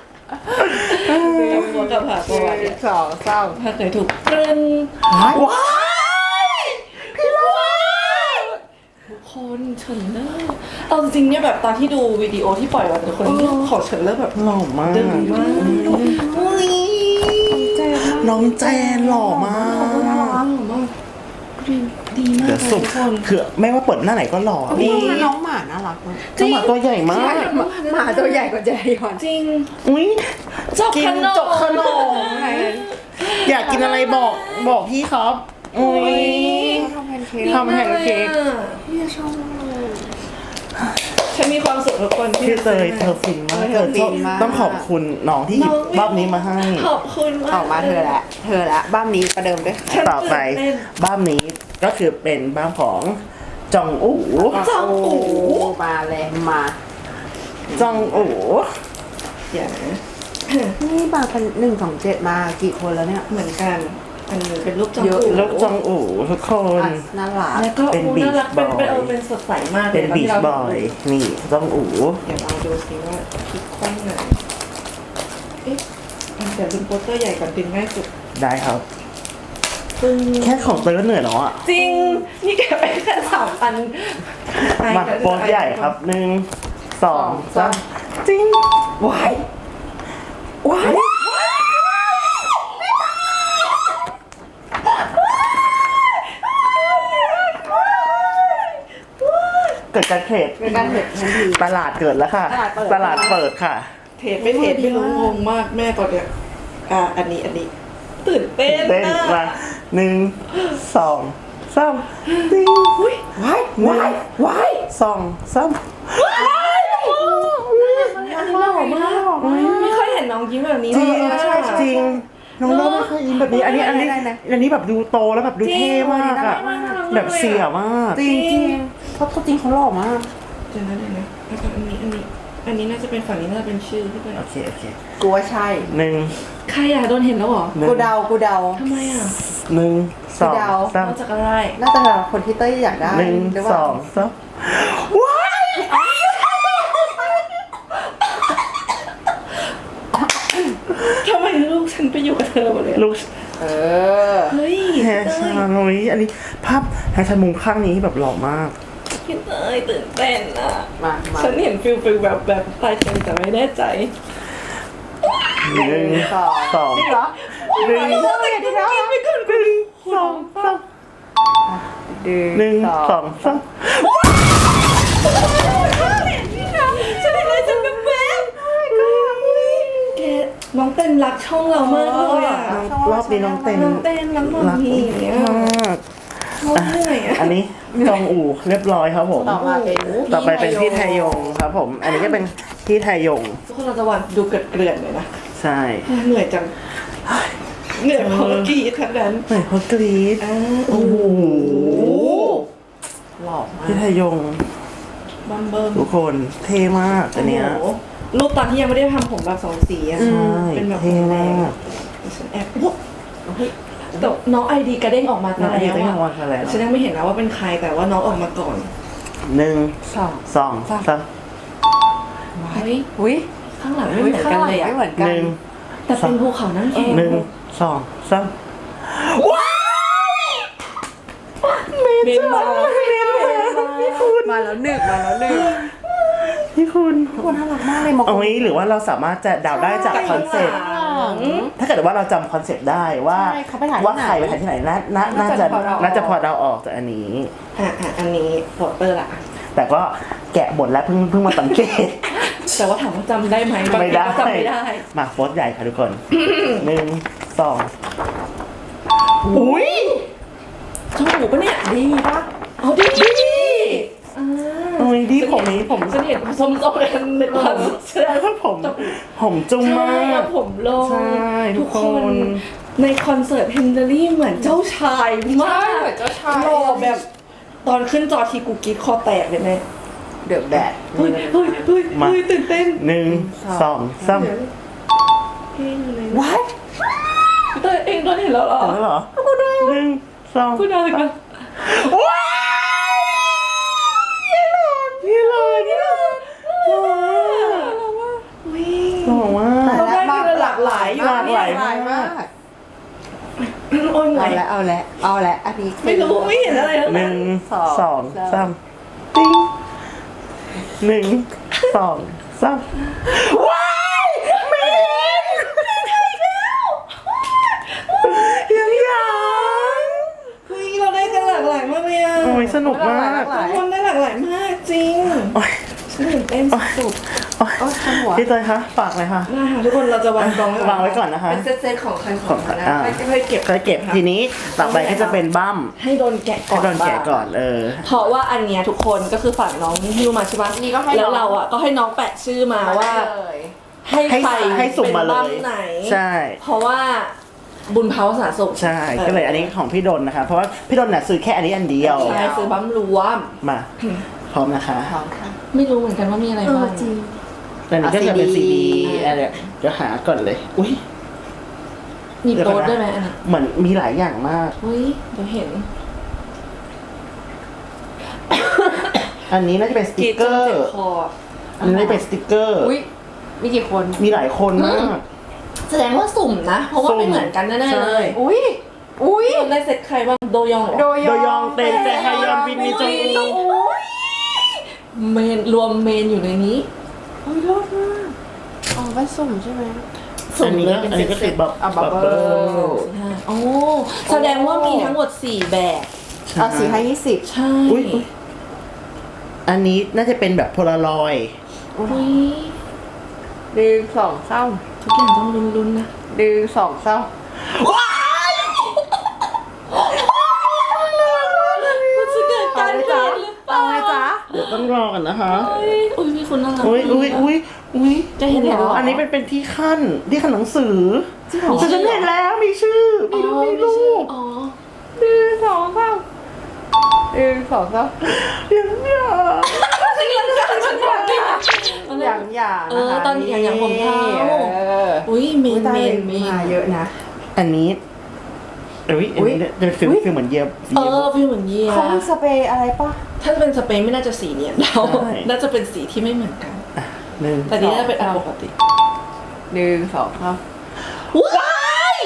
[SPEAKER 3] เลยมัวกับผ่าตัว
[SPEAKER 1] หนึ่งสองสาม
[SPEAKER 3] ถ้าเคยถูกตรึง
[SPEAKER 2] ว้ายพี่ลูก
[SPEAKER 3] ทุกคนเฉินเลอร์เอาจริงๆเนี่ยแบบตอนที่ดูวิดีโอที่ปล่อยวันทุกคนของเฉินเลอร์แบบ
[SPEAKER 2] หล่อมาก
[SPEAKER 3] ดึงมากอุ้ย
[SPEAKER 1] เจ็บมาก
[SPEAKER 2] น้องแจนหล่อมาก
[SPEAKER 3] น่ารักมากดีดีมาก
[SPEAKER 2] เดี๋ยว
[SPEAKER 3] เลย
[SPEAKER 2] สุ
[SPEAKER 3] ทุ
[SPEAKER 2] ด
[SPEAKER 3] กคน
[SPEAKER 2] คือไม่ว่าเปิดหน้าไหนก็หล่อ
[SPEAKER 1] นี่
[SPEAKER 2] นี่
[SPEAKER 1] น้องหมาน่ารักมาก
[SPEAKER 2] น้องหมาตัวใหญ่มาก
[SPEAKER 1] หมาตัวใหญ่กว่าเจยอน
[SPEAKER 3] จริง
[SPEAKER 2] อุ้ย
[SPEAKER 3] จก
[SPEAKER 2] กิ
[SPEAKER 3] ข
[SPEAKER 2] น
[SPEAKER 3] นม
[SPEAKER 2] จกขนมอยากกินอะไรบอกบอกพี่ครับอุ้ย
[SPEAKER 1] ทำแพนเค้ก
[SPEAKER 2] ทำแพนเค้ก
[SPEAKER 1] เนี่ยชอบมากเลย
[SPEAKER 3] ฉันมีความสุขทุกคนที่
[SPEAKER 2] พี่เตยเธอฟินมาก
[SPEAKER 1] เธอฟินมาก
[SPEAKER 2] ต้องขอบคุณน้องที่หยิบรอบนี้มาให้
[SPEAKER 3] ขอบคุณมาก
[SPEAKER 1] ออกมาเธอละเธอละบ้านนี้ประเดิมด้วยค่ะ
[SPEAKER 3] ฉัน
[SPEAKER 2] ต่อไป
[SPEAKER 3] ตื่นเต้น
[SPEAKER 2] บ้านนี้ก็คือเป็นบ้านของจองอู๋
[SPEAKER 3] จองอู๋
[SPEAKER 1] มาเลยมา
[SPEAKER 2] จองอู๋
[SPEAKER 3] อย่านะ
[SPEAKER 1] นี่มาเป็นหนึ่งสองเจ็ดมากี่คนแล้วเนี่ย
[SPEAKER 3] เหมือนกัน อันนี้เป็นรูปจอง
[SPEAKER 1] เยอะ
[SPEAKER 3] อู๋
[SPEAKER 2] ลูกจองอู๋ทุกคน
[SPEAKER 1] อ่ะน่ารัก
[SPEAKER 3] แล้วก็
[SPEAKER 2] เป็น
[SPEAKER 3] อู๋
[SPEAKER 2] Beach
[SPEAKER 3] น่ารักเป็นเป็น
[SPEAKER 2] Boy
[SPEAKER 3] เออเป็นสดใสมากลย
[SPEAKER 2] เป็น
[SPEAKER 3] ต
[SPEAKER 2] บี
[SPEAKER 3] ที่
[SPEAKER 2] ช
[SPEAKER 3] รา
[SPEAKER 2] บอยนี่จองอู๋
[SPEAKER 3] เดี๋ยวเราดูสิว่าคลิกข้างไหนเอ๊ะเดี๋ยวดึงโปสเตอร์ใหญ่ก่อนดึงง่ายสุด
[SPEAKER 2] ได้ครับ
[SPEAKER 3] ซึ่ง
[SPEAKER 2] แค่ของเตยก็เหนื่อยแล้วอ่ะ
[SPEAKER 3] จริง นี่แกไปแค่สามอัน
[SPEAKER 2] มาโปสใหญ่ครับหนึ่งสองสามจริง
[SPEAKER 3] ว้ายว้าย
[SPEAKER 2] เกิดการเทรด
[SPEAKER 1] เป็นการเห็นทันที
[SPEAKER 2] ตลาดเกิดแล้วค่ะ
[SPEAKER 1] ตลาดเปิด
[SPEAKER 2] ตลาดเปิดค่ะ
[SPEAKER 3] เทรดไม่เทรดไม่รู้งงมากแม่ก่อนเนี่ยอ่าอันนี้อันนี้ ตื่นเต้น
[SPEAKER 2] เต้น
[SPEAKER 3] อะ
[SPEAKER 2] มาหนึ่งสองสามจริง
[SPEAKER 3] อุ้ย
[SPEAKER 1] ว้ายว้ายว้าย
[SPEAKER 2] สองสาม
[SPEAKER 3] อันนี้หล่อมากไม่ค่อยเห็นน้องยิ้มแบบนี้
[SPEAKER 2] จริง
[SPEAKER 3] เลยอะ
[SPEAKER 2] ใช่จริงน้องโน้ไม่เคยยิ้มแบบนี้ อันนี้อันนี้อันนี้แบบดูโตแล้วแบบดูเท่มากอะแบบเสียมาก
[SPEAKER 1] จริงจริงเขาตัวจริงเขาหล่อมาก
[SPEAKER 3] เดี๋ยวนะเดี๋ยวนะอันนี้อันนี้ อันนี้น่าจะเป็นฝั่งนี้น่าจะเป็นชื่อที่เป็น
[SPEAKER 2] โอเคโอเค
[SPEAKER 1] กูว่าใช่
[SPEAKER 2] หนึ่ง
[SPEAKER 3] ใครอะโดนเห็นแล้วเหรอ
[SPEAKER 2] หนึ่ง
[SPEAKER 1] กูเดากูเดา
[SPEAKER 3] ทำไมอะ
[SPEAKER 2] หนึ่งสอง
[SPEAKER 1] เดา
[SPEAKER 2] สาม
[SPEAKER 3] มาจากอะไร
[SPEAKER 1] น่าจะเป็นคนที่เต้ยอยากได้
[SPEAKER 2] หนึ่ง
[SPEAKER 1] หรือเป
[SPEAKER 2] ส
[SPEAKER 1] ล่า
[SPEAKER 2] องสามว้าย
[SPEAKER 3] ทำไมลูกฉันไปอยู่กับเธอหมดเลยอะ
[SPEAKER 2] ลูก
[SPEAKER 1] เออ
[SPEAKER 3] เฮ้ย
[SPEAKER 2] แฮชาโนยอันนี้ภาพแฮชามุมข้างนี้แบบหล่อมาก
[SPEAKER 3] พี่เตยตื่นเต้นอะ
[SPEAKER 1] มามา
[SPEAKER 3] ฉันเห็นฟิลฟิลแบบแบบปลายเต็มแต่ไม่แน่ใจ
[SPEAKER 2] หนึ่ง
[SPEAKER 1] สอง
[SPEAKER 2] สอง
[SPEAKER 1] จริงเหรอ
[SPEAKER 2] หนึ่ง
[SPEAKER 1] เต้ยดีแล้ว
[SPEAKER 2] หนึ่งสองสามหนึ่งสองสาม
[SPEAKER 3] ฉันเห็นอะไรฉันแบบแบบแกน้องเต้นรักช่องเรามากเลยอะ
[SPEAKER 2] รอบนี้น้องเต้น
[SPEAKER 3] น้องเต้นน้องมอ
[SPEAKER 2] รัก
[SPEAKER 3] มีอย่างเงี้ย
[SPEAKER 2] มาก
[SPEAKER 3] น้องเหนื่อยอะ
[SPEAKER 2] อันนี้จองอู่เรียบร้อยครับผม
[SPEAKER 1] ต่อมาเป็น
[SPEAKER 2] ต่อไปเป็นพี่ไทยงครับผม อันนี้ก็เป็นพี่ไทยง
[SPEAKER 3] ทุกคนเราจะวันดูเกลือนเกลื่อนๆเลยนะ
[SPEAKER 2] ใช่
[SPEAKER 3] เหนื่อยจังเหนื่อยเพราะเมื่อกี้ทั้งนั้น
[SPEAKER 2] เหมือนเขากรี๊ด
[SPEAKER 3] อ่า
[SPEAKER 2] โอ้โห
[SPEAKER 1] หล่อมาก
[SPEAKER 2] พี่ไทยง
[SPEAKER 3] บัมเบิ้ม
[SPEAKER 2] ทุกคนเท่มากอันเนี้ย
[SPEAKER 3] โอ้โหรูปตอนที่ยังไม่ได้ทำผมแบบสองสีอะ
[SPEAKER 2] ใช่
[SPEAKER 3] เป็นแบบ
[SPEAKER 2] เท่มาก
[SPEAKER 3] ฉันแอบโอ้เฮ้ยแต่น้องไอดีกระเด้งออกมา
[SPEAKER 2] น้องไอดี
[SPEAKER 3] แล้ว
[SPEAKER 2] กระเด้งออกมา
[SPEAKER 3] อะ
[SPEAKER 2] แล้ว
[SPEAKER 3] ฉันยังไม่เห็นนะว่าเป็นใครแต่ว่าน้องออกมาก่อน
[SPEAKER 2] หนึ่ง
[SPEAKER 1] สอง
[SPEAKER 2] สองสาม
[SPEAKER 3] เฮ้ย
[SPEAKER 1] อุ้ย
[SPEAKER 3] ข้างหลังไม่เหมือนกันเลยอะ
[SPEAKER 1] ไม่เหมือนกั
[SPEAKER 2] ห
[SPEAKER 1] น
[SPEAKER 2] นึ่ง
[SPEAKER 3] แต่เป็นภูเขาน้ำแข็ง
[SPEAKER 2] หนึ่งสองสาม
[SPEAKER 3] เมนมา
[SPEAKER 1] มาแล้วหนึ่งมาแล้วหนึ่ง
[SPEAKER 2] พี่คุณ
[SPEAKER 1] คนน่ารักมากเลยมอง
[SPEAKER 2] เอางี้หรือว่าเราสามารถจะเดาได้จากคอนเซ็ปต์ ถ้าเกิดว่าเราจำคอนเซ็ปต์ได้ว่า
[SPEAKER 1] ใช่เขาไปถ่าย
[SPEAKER 2] ว่า
[SPEAKER 1] ที่ไหน
[SPEAKER 2] ใครไปถ่ายที่ไหนน่าน่าน่าจะ
[SPEAKER 1] น่าจะพอเดาออก
[SPEAKER 2] น่าจะพอเดาออกจากอันนี้
[SPEAKER 3] อ่ะอ่ะอันนี้โปสเตอร์ละ
[SPEAKER 2] แต่ก็แกะบทแล้วเพิ่งเพิ่งมาสังเกต
[SPEAKER 3] แต่ว่าถามว่าจำได้ไหมบาง
[SPEAKER 2] ไม่
[SPEAKER 3] ที
[SPEAKER 2] ได้
[SPEAKER 3] ก็จำไม่ได้
[SPEAKER 2] มาโฟสใหญ่ค่ะทุกคน หนึ่งสองอุ้ย
[SPEAKER 3] ช่องหูปะเนี่ย
[SPEAKER 1] ดีปะ
[SPEAKER 3] เอาดีดีอ่า
[SPEAKER 2] โอ้ยดีผมนี้ผม
[SPEAKER 3] ฉันเห็นส้มๆกันในตอนเสื้อ
[SPEAKER 2] ถ้าผม ผมจุ้มมา
[SPEAKER 3] ใช่
[SPEAKER 2] ก
[SPEAKER 3] เอาผมลง
[SPEAKER 2] ใช่ทุกคน
[SPEAKER 3] ในคอนเสิร์ตเฮนเดอรี่เหมือนเจ้าชายมาก
[SPEAKER 1] เหมือนเจ้าชาย
[SPEAKER 3] หล่อแบบตอนขึ้นจอทีกูกรีดคอแตกเลยแม่
[SPEAKER 1] เดือดแดด
[SPEAKER 3] เฮ้ยเฮ้ยเฮ้ยเฮ้ยตื่นเต้น
[SPEAKER 2] หนึ่งสองสาม
[SPEAKER 3] เฮ้ยอยู่ไหน
[SPEAKER 1] ว้าย
[SPEAKER 3] เต้ยเองโดนเห็นแล้วเหรอ
[SPEAKER 2] เอาแล้วเหรอหนึ่งสอง
[SPEAKER 3] คุณเอาอีกแล้ว
[SPEAKER 2] ว้ายยี่หลอนยี่หลอนยี่หลอนหล่อมาก
[SPEAKER 3] อุ้ย
[SPEAKER 2] หล่อมาก
[SPEAKER 3] เราได้คือหลากหลายอยู่
[SPEAKER 2] หลากหลาย
[SPEAKER 1] หลายมาก
[SPEAKER 3] โอ้ยเหนื่
[SPEAKER 1] เอา
[SPEAKER 3] อย
[SPEAKER 1] ละเอาละเอาละอันนี้คือ
[SPEAKER 3] ไม่รู้ไม่เห็นอะไรทั้ง
[SPEAKER 2] ห
[SPEAKER 3] นั้
[SPEAKER 2] นึ่
[SPEAKER 3] น
[SPEAKER 2] ง
[SPEAKER 1] สอง
[SPEAKER 2] สองสามติ้งหนึ่งสองสามว้ายเมนยังยัง
[SPEAKER 3] เฮ้ยเราได้กันหลากหลายมากเลยอ่ะ
[SPEAKER 2] โอ้ยสนุกมาก
[SPEAKER 1] หลาย
[SPEAKER 3] ทุกคนได้หลากหลายมากจริง
[SPEAKER 2] โอ้ย
[SPEAKER 3] ฉันตื่นเต้นสุด
[SPEAKER 2] โอ้ย
[SPEAKER 1] โอ้ยทันหัว
[SPEAKER 2] พี่เตยคะฝากเลยค่ะ
[SPEAKER 3] ๆนะคะทุกคนเราจะวางกอง
[SPEAKER 2] วางไว้ก่อนนะคะ
[SPEAKER 3] เป็นเซตๆของใครของมันนะ
[SPEAKER 2] อ่า
[SPEAKER 3] ค่อยๆเก็บ
[SPEAKER 2] เคยเก็บทีนี้ต่อไปก็จะเป็นบั้ม
[SPEAKER 3] ให้โดนแกะก่
[SPEAKER 2] ให้
[SPEAKER 3] อน
[SPEAKER 2] โดนแกะก่อนเออ
[SPEAKER 3] เพราะว่าอันเนี้ยทุกคนก็คือฝั่งน้องฮิวมาใช่ปะ
[SPEAKER 1] นี่ก็ให้น้อง
[SPEAKER 3] แล้วเราอ่ะก็ให้น้องแปะชื่อมาว่า
[SPEAKER 1] เลย
[SPEAKER 3] ให้
[SPEAKER 2] ให้
[SPEAKER 3] ใคร
[SPEAKER 2] ให้สุ่มมาเลย
[SPEAKER 3] ป็นบ้ไหน
[SPEAKER 2] ใช่
[SPEAKER 3] เพราะว่าบุญเผาสาสุข
[SPEAKER 2] ใช่ก็เลยอันนี้ของพี่ดนนะคะ เพราะว่าพี่ดนน่ะซื้อแค่อันนี้อันเดียว
[SPEAKER 3] ใช่ซื้อบัมรวม
[SPEAKER 2] มาพร้อมนะคะ
[SPEAKER 1] พร้อมค่ะ
[SPEAKER 3] ไม่รู้เหมือนกันว่ามีอะไรบ้าง
[SPEAKER 2] อันนี้ก็จะเป็น
[SPEAKER 1] อ่ะ
[SPEAKER 2] ซี
[SPEAKER 1] ซี
[SPEAKER 2] ดี
[SPEAKER 1] ดี
[SPEAKER 2] อะไรเดี๋ยวหาก่อนเลย อุ้ย
[SPEAKER 3] มี
[SPEAKER 2] เดี๋ยว
[SPEAKER 3] โต๊
[SPEAKER 2] ก่
[SPEAKER 3] ด
[SPEAKER 2] อนนะ
[SPEAKER 3] ด้วยไหมอันนี้
[SPEAKER 2] เหมือนมีหลายอย่างมาก
[SPEAKER 3] เฮ้ยเดี๋ยวเห็น
[SPEAKER 2] อันนี้น่าจะเป็นส
[SPEAKER 3] ก
[SPEAKER 2] ติ
[SPEAKER 3] รี
[SPEAKER 2] ก
[SPEAKER 3] ด
[SPEAKER 2] เก
[SPEAKER 3] จ
[SPEAKER 2] อน
[SPEAKER 3] เจ็บ
[SPEAKER 2] ร์
[SPEAKER 3] คอ
[SPEAKER 2] อันนี้เป็นสติกเกอร์
[SPEAKER 1] อุ้ยมีกี่คน
[SPEAKER 2] มีหลายคนมาก
[SPEAKER 3] แสดงว่าสุ่มนะ เพราะว่า
[SPEAKER 2] สุ่ม
[SPEAKER 3] ไม่เหมือนกันแน่ๆเลย
[SPEAKER 1] อุ้ยอุ้ย
[SPEAKER 3] ได้เซตใครบ้างโดยองเหรอ
[SPEAKER 1] โด
[SPEAKER 2] โดยองเต็นแจฮยอนวินมีจงอุ
[SPEAKER 3] เมนรวมเมนอยู่ในนี้
[SPEAKER 1] โอ้ยรอดมากอ๋อไปสุ่มใช่ไหม
[SPEAKER 2] อันนี้อันนี้ก็คือบับ
[SPEAKER 1] อ่ะ
[SPEAKER 2] บับ
[SPEAKER 1] bubble
[SPEAKER 2] เบิ้ล
[SPEAKER 3] โอ้แสดงว่ามีทั้งหมดสี่แบบ
[SPEAKER 1] เอาสี่ให้ยี่สิบ
[SPEAKER 3] ใช่
[SPEAKER 2] อุ๊ยอุ๊ย อันนี้น่าจะเป็นแบบโพลารอยด์
[SPEAKER 3] อุ้ย
[SPEAKER 1] ดึงสองเศร้า
[SPEAKER 3] ทุกอย่างต้องลุ้นๆนะ
[SPEAKER 1] ดึงสองเศร้า
[SPEAKER 3] มันจะเกิดการเปลี่ยนหรือเปล่า
[SPEAKER 1] เอาไหมจ๊ะ
[SPEAKER 2] เดี๋ยวต้องรอกันนะคะ
[SPEAKER 3] อุ้ยอุ้ยพี่คุณน่ารัก
[SPEAKER 2] อุ้ยอุ้ยอุ้ยอุ้ย
[SPEAKER 3] จะเห็นเหรอ
[SPEAKER 2] อันนี้เป็นเป็นที่ขั้นที่ขั้นหนังสือ
[SPEAKER 1] จริงเหรอ
[SPEAKER 2] แต่ฉันเห็นแล้วมีชื่อมีรูปมีรูป
[SPEAKER 3] อ๋อ
[SPEAKER 1] ดึงสองเศร้าดึงสองเศร้า
[SPEAKER 2] อย่างเนี้ย
[SPEAKER 3] ฉันยังการฉันบอกไม่ได้
[SPEAKER 1] อย่างอย่าง
[SPEAKER 3] เออตอนอย่างอย่างผมเทา
[SPEAKER 1] เออ
[SPEAKER 3] อุ้ยเม
[SPEAKER 1] อุ๊ย
[SPEAKER 3] น
[SPEAKER 1] ตา
[SPEAKER 3] เม
[SPEAKER 1] ย
[SPEAKER 3] นเมน
[SPEAKER 1] มาเยอะนะ
[SPEAKER 2] อันนี้อุ้ยอันนี้จะฟีล
[SPEAKER 1] อุ๊ย
[SPEAKER 2] ฟีลเหมือนเยียบ
[SPEAKER 3] เออพี่เหมือนเยีย
[SPEAKER 1] เขามีสเปรย์อะไรปะ
[SPEAKER 3] ถ้าเป็นสเปนไม่น่าจะสีเนียนเราน่าจะเป็นสีที่ไม่เหมือนกัน
[SPEAKER 2] หนึ่ง
[SPEAKER 3] แต่นี้น่าจะเป็นอันปกติ
[SPEAKER 1] ดึงสองเศร้า
[SPEAKER 3] ว้าย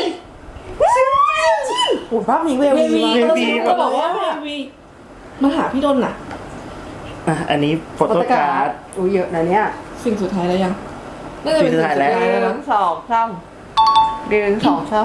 [SPEAKER 1] โอ้ภาพนี้เวล
[SPEAKER 3] เว
[SPEAKER 1] วี
[SPEAKER 3] วี
[SPEAKER 1] มาก
[SPEAKER 3] ก็บอกว่าเววีมาหาพี่ดนน่ะ
[SPEAKER 2] อ่ะอันนี้โฟโต้การ์ด
[SPEAKER 1] อุ้ยเยอะนะเนี่ย
[SPEAKER 3] สิ่งสุดท้ายแล้วยังน่าจะเป็น
[SPEAKER 2] สิ่งสุดท้ายแล้ว
[SPEAKER 1] ดึงสองเศร้าดึงสองเศร้า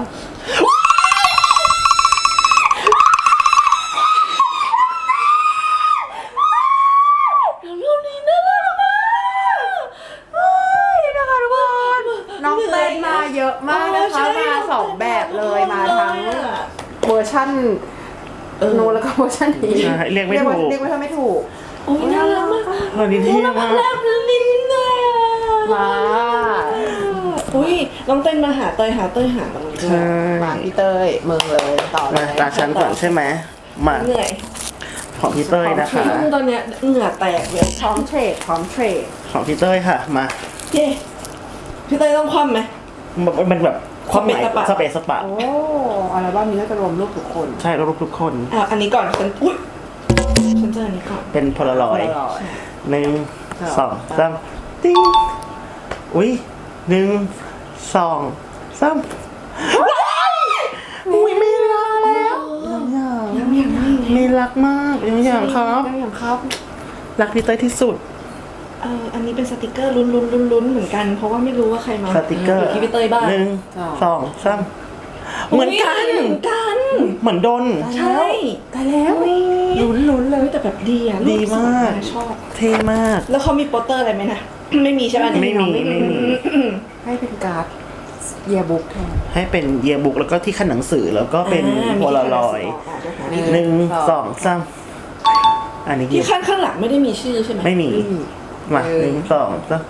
[SPEAKER 3] รูปนี้น่ารักมาก
[SPEAKER 1] เฮ้ยนะคะทุกคนน้องเต้นมาเยอะมากนะคะมาสองแบบเลยมาทั้งเวอร์ชั่น
[SPEAKER 3] เออ
[SPEAKER 1] โนนแล้วก็เวอร์ชันนี้
[SPEAKER 2] ใช่เรียกไม่ถูก
[SPEAKER 1] เรียกไม่ถูกไม่ถูก
[SPEAKER 3] โอ้ยน่ารักมาก
[SPEAKER 2] อันนี้เท่มาก
[SPEAKER 3] แลบลิ้นเลย
[SPEAKER 1] มา
[SPEAKER 3] อุ้ยน้องเต้นมาหาเตยหาเตยหาตรงนี้ด้ว
[SPEAKER 2] ใช่
[SPEAKER 3] ย
[SPEAKER 1] มาพี่เต้ยเมืองเลยต่อเล
[SPEAKER 2] มาย ตาฉันก่อนใช่ไหมมา
[SPEAKER 3] เหนื่อย
[SPEAKER 2] ของพี่เต้ยนะคะ
[SPEAKER 3] ตอนเนี้ยเหงื่อแตกเลย
[SPEAKER 1] พร้อมเทรดพร้อมเทรด
[SPEAKER 2] ของพี่เต้ยค่ะมา
[SPEAKER 3] เย้พี่เตยต้องคว่ำไหม
[SPEAKER 2] มันเป็นแบบความหมาย
[SPEAKER 3] สเปซสปะ
[SPEAKER 2] สเปซสปะ
[SPEAKER 1] โอ้อัลบั้มนี้น่าจะรวมรูปทุกคน
[SPEAKER 2] ใช่รูปทุกคน
[SPEAKER 3] อ่ะอันนี้ก่อนฉันอุ้ยฉันเจออันนี้ก่อน
[SPEAKER 2] เป็นโพลารอยด์
[SPEAKER 1] อร่อย
[SPEAKER 2] หนึ่งสองสามติ้งอุ้ยหนึ่งสองสามอุ้ยไม่รักแล้วยังอย่าง
[SPEAKER 3] ยังยังไม่ไง
[SPEAKER 2] ไม่รักมากยังอย่างครับ
[SPEAKER 1] ยังอย่างครับ
[SPEAKER 2] รักพี่เต้ยที่สุด
[SPEAKER 3] เอออันนี้เป็นสติกเกอร์ลุ้นลุ้นลุ้นลุ้นเหมือนกัน เพราะว่าไม่รู้ว่าใครมา
[SPEAKER 2] สติกเกอร์
[SPEAKER 3] ยู่ที่พี่เตยบ้าง
[SPEAKER 2] หนึ่งสองสามเหมือนกัน
[SPEAKER 3] เหมือนกัน
[SPEAKER 2] เหมือนดน
[SPEAKER 3] ใช่
[SPEAKER 1] ตายแล้วลุ้นลุ้นๆเลย
[SPEAKER 3] เฮ้ยแต่แบบดีอ่ะ
[SPEAKER 2] ดีมาก
[SPEAKER 3] รูปสวยนะชอบ
[SPEAKER 2] เท่มาก
[SPEAKER 3] แล้วเขามีโปสเตอร์อะไรไหมนะ ไม่มีใช่ไหม
[SPEAKER 2] ไม่มีไม่มี
[SPEAKER 1] ให้เป็นการ์ดเยียบุ๊กแทน
[SPEAKER 2] ให้เป็นเยียบุ๊กแล้วก็ที่ขั้นหนังสือแล้วก็เป็น
[SPEAKER 3] อ่า
[SPEAKER 2] โพลารอยด์
[SPEAKER 3] มี
[SPEAKER 2] หนึ่งสองสามอันนี้
[SPEAKER 3] ที่ข้างข้างหลังไม่ได้มีชื่อใช่ไหม
[SPEAKER 2] ไม่มีมาหนึ่งสองสาม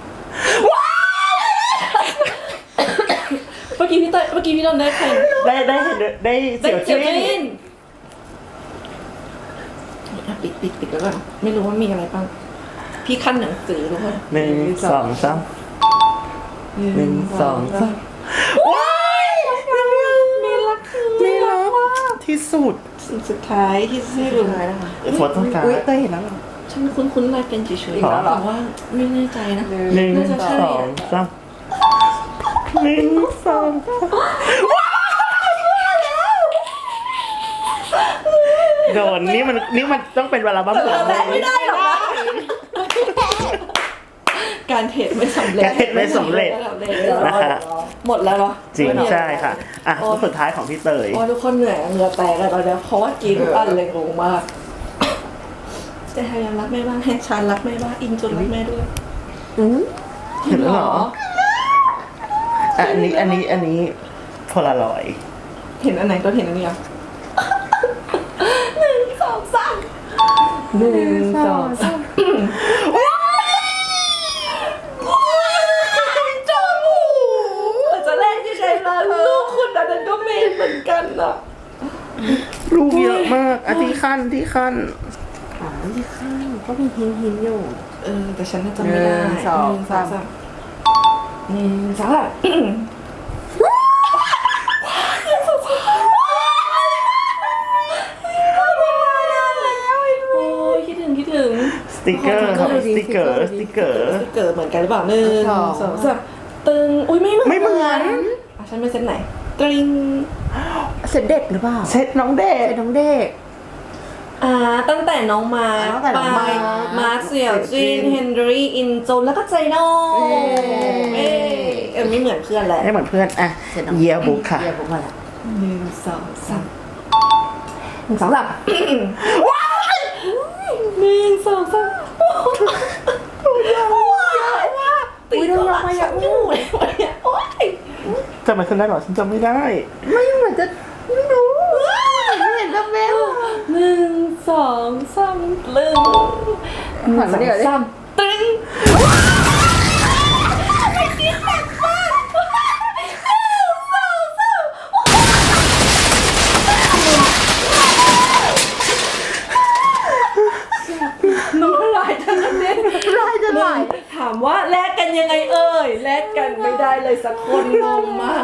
[SPEAKER 3] เมื่อกี้พี่เตยเมื่อกี้พี่ดนได้ใคร
[SPEAKER 2] ได้ได้เห็นได้เสี่ยว
[SPEAKER 3] เจี
[SPEAKER 2] จิ้
[SPEAKER 3] ยวน จินอ่ะปิดปิดปิดแล้วก่อนไม่รู้ว่ามีอะไรบ้างพี่ขั้นหนังสือทุกคน
[SPEAKER 2] หนึ่งสองสามหนึ่งสองสามว้าย
[SPEAKER 3] มีรักคือ
[SPEAKER 2] ไม่รักที่สุด
[SPEAKER 3] สิ่งสุดท้ายที่ให้รู้
[SPEAKER 2] โฟโต้การ์
[SPEAKER 1] อุ้ย
[SPEAKER 2] ด
[SPEAKER 1] เต้ยเห็นแล้วเหรอ
[SPEAKER 3] ฉันคุ้นๆลายเป็นเฉย
[SPEAKER 2] อีกแล้ว
[SPEAKER 3] ๆ
[SPEAKER 2] เหรอ
[SPEAKER 3] แต่ว่าไม่แน่ใจนะ
[SPEAKER 2] หนึ่ง
[SPEAKER 3] น่าจะใช่
[SPEAKER 2] สองสามหนึ่งสองสามว้ายโดนนี่มันนี่มันต้องเป็นเวลาบ้างผม
[SPEAKER 3] แต่ไม่ได้หรอกนะการเทรดไม่สำเร็จ
[SPEAKER 2] การเทรดไม่สำเร็จ นะคะ
[SPEAKER 3] หมดแล้วเหรอ
[SPEAKER 2] จริง
[SPEAKER 3] ไม่มีอไ
[SPEAKER 2] ใช่ค่ะ อ่ะ
[SPEAKER 3] โอ้
[SPEAKER 2] รูปสุดท้ายของพี่เตย
[SPEAKER 3] โอ้ยทุกคนเหนื่อยเหงื่อแตกเลยตอนเนี้ยเพราะว่ากินทุกอันเลยงงมากแต่ใครยังรักแม่บ้างแฮชชานรักแม่บ้างอินจนรักแม่ด้วย
[SPEAKER 1] อืม
[SPEAKER 2] เห็นแล้วเหรอ อ่ะอันนี้อันนี้อันนี้โพลารอยด์
[SPEAKER 3] เห็นอันไหนก็เห็นอันนี้อ่ะหนึ่งสองสาม
[SPEAKER 1] หนึ่งสองสาม
[SPEAKER 3] จมูกแต่จะแรกที่ใครมาลูกคุณอันนั้นก็เมนเหมือนกันอ่ะ
[SPEAKER 2] รูปเยอะมากอ่ะที่ขั้นที่ขั้น
[SPEAKER 1] อ่าที่ข้างก็มีหินหินอยู่
[SPEAKER 3] เออแต่ฉันน่าจะไม่ได้
[SPEAKER 1] หนึ่งสองสาม
[SPEAKER 3] หนึ่งสองสามโอ้ยคิดถึงคิดถึง
[SPEAKER 2] สติกเกอร์ครับสติกเกอร์สติกเกอร์
[SPEAKER 3] เกิดเหมือนกันหรือเปล่าหนึ่งสองสามตึงอุ้ยไม่เหมือน
[SPEAKER 2] ไม่เหมือน
[SPEAKER 3] อ่ะฉันเป็นเซตไหนตริง
[SPEAKER 1] เซตเด็กหรือเปล่า
[SPEAKER 2] เซตน้องเด็ก
[SPEAKER 1] เซตน้องเด็ก
[SPEAKER 3] อ่าตั้งแต่น้องมาร์ค
[SPEAKER 1] ตั้งแต่น้องมาร์ค
[SPEAKER 3] มาร์คเสี่ยวจินเฮนรี่อินโจนแล้วก็ไจโน่
[SPEAKER 1] เย้
[SPEAKER 3] เอ้ยเออไม่เหมือนเพื่อนแหละ
[SPEAKER 2] ไม่เหมือนเพื่อนอ่ะ
[SPEAKER 1] เซตน้อง
[SPEAKER 2] เยียบุ๊กค่ะ
[SPEAKER 1] เยียบุ๊กมาแล้ว
[SPEAKER 3] หนึ่งสองสาม
[SPEAKER 1] หนึ่งสองสาม
[SPEAKER 3] หนึ่งสองสามว้าว
[SPEAKER 1] อุ้ยโดนยกมาเยอะ
[SPEAKER 3] อยู่เลยวันเนี้ยโอ๊ย
[SPEAKER 2] จำไม่ได้หรอฉันจำไม่ได้
[SPEAKER 1] ไม่เหมือนจะไม่รู้ไม่เห็นจะเป็น
[SPEAKER 3] หนึ่งสองสามตึง
[SPEAKER 1] หันมาเดี๋ยวดิ
[SPEAKER 3] สามตึงน้ำลายจะกระเด็น
[SPEAKER 1] ลายจะไหล
[SPEAKER 3] ถามว่าแลกกันยังไงเอ่ยแลกกันไม่ได้เลยสักคนงงมาก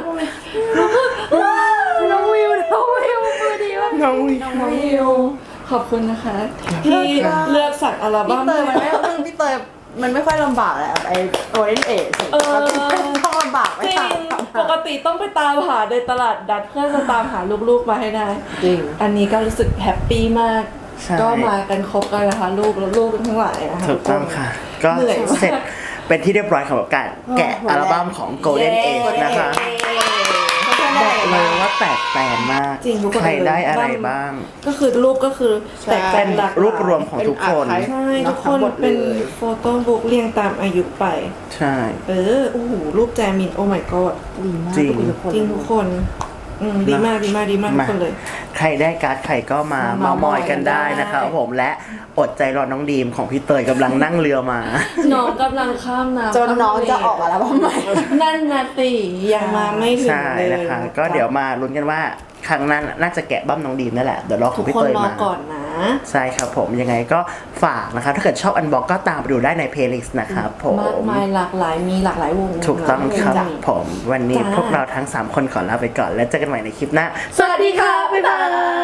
[SPEAKER 1] น้องวิวน้องวิวมือดีมาก
[SPEAKER 2] น้องวิ
[SPEAKER 3] น้องวิวขอบคุณนะคะ ที่เลือกสักอัลบั้
[SPEAKER 1] พี่
[SPEAKER 3] ม
[SPEAKER 1] เตยมันไม่มึงพี่เตยมันไม่ค่อยลำบากแหละไอโอเอ็นเอส
[SPEAKER 3] เออ
[SPEAKER 1] ต้องลำบากไม่
[SPEAKER 3] จริ
[SPEAKER 1] ต่าง
[SPEAKER 3] งปกติต้องไปตามหาในตลาดดัดเพื่อจะตามหาลูกๆมาให้ได้
[SPEAKER 1] จริง
[SPEAKER 3] อันนี้ก็รู้สึกแฮปปี้มาก
[SPEAKER 2] ใช่
[SPEAKER 3] ก็มากันครบกันนะคะลูกแล้วลูกทั้งหลายนะคะ
[SPEAKER 2] ถูกต้องค่ะ ก็
[SPEAKER 3] เหนื่อยมาก
[SPEAKER 2] เสร็จเป็นที่เรียบร้อยสำหรับการแกะอัลบั้มของ Golden Age นะคะ บอกเลยว่าแตกแตนมาก
[SPEAKER 3] จริงทุกคน
[SPEAKER 2] ใครได้อะไรบ้าง
[SPEAKER 3] ก็คือรูปก็คือแตก
[SPEAKER 2] เป็
[SPEAKER 3] แต่
[SPEAKER 2] น
[SPEAKER 3] หลากหลาย
[SPEAKER 2] รูปรวมของทุกคน
[SPEAKER 3] ใช่ทุกคนเป็นโฟโต้บุ๊กเรียงตามอายุไป
[SPEAKER 2] ใช่
[SPEAKER 3] เออโอ้โหรูปแจมินโอ้ my god
[SPEAKER 1] ดีมาก
[SPEAKER 2] จริง
[SPEAKER 3] จริงทุกคนอืมดีมากดีมากดีมากทุกคนเลย
[SPEAKER 2] ใครได้การ์ดใครก็มา
[SPEAKER 3] มา
[SPEAKER 2] เมามอยกันได้
[SPEAKER 3] ได้
[SPEAKER 2] นะครับผมและอดใจรอน้องดีมของพี่เตยกำลังนั่งเรือมา
[SPEAKER 3] น้องกำลังข้ามน้ำ
[SPEAKER 1] จนน้องจะออกมาแล้วพ่อใหม่
[SPEAKER 3] นั่นนาตียังมาไม่ถึง
[SPEAKER 2] ใช่
[SPEAKER 3] เลย
[SPEAKER 2] นะคะ ก็เดี๋ยวมาลุ้นกันว่าครั้งนั้นน่าจะแกะบั้มน้องดีมนั่นแหละเดี๋ยวรอข
[SPEAKER 3] ทุ
[SPEAKER 2] อง
[SPEAKER 3] ก
[SPEAKER 2] พี่
[SPEAKER 3] คน
[SPEAKER 2] เตย
[SPEAKER 3] รอ
[SPEAKER 2] มา
[SPEAKER 3] ก่อนนะ
[SPEAKER 2] ใช่ครับผมยังไงก็ฝากนะครับถ้าเกิดชอบอันบ็อกก็ตามไปดูได้ในเพลย์ลิสต์นะครับผม
[SPEAKER 3] มากมายหลากหลายมีหลากหลายวง
[SPEAKER 2] ถูกต้องครับ
[SPEAKER 3] จ้ะ
[SPEAKER 2] ผมวันนี้
[SPEAKER 3] จ้า
[SPEAKER 2] พวกเราทั้ง สาม คนขอลาไปก่อน แล้วเจอกันใหม่ในคลิปหน้า
[SPEAKER 3] สวัสดีค่ะ บ๊ายบาย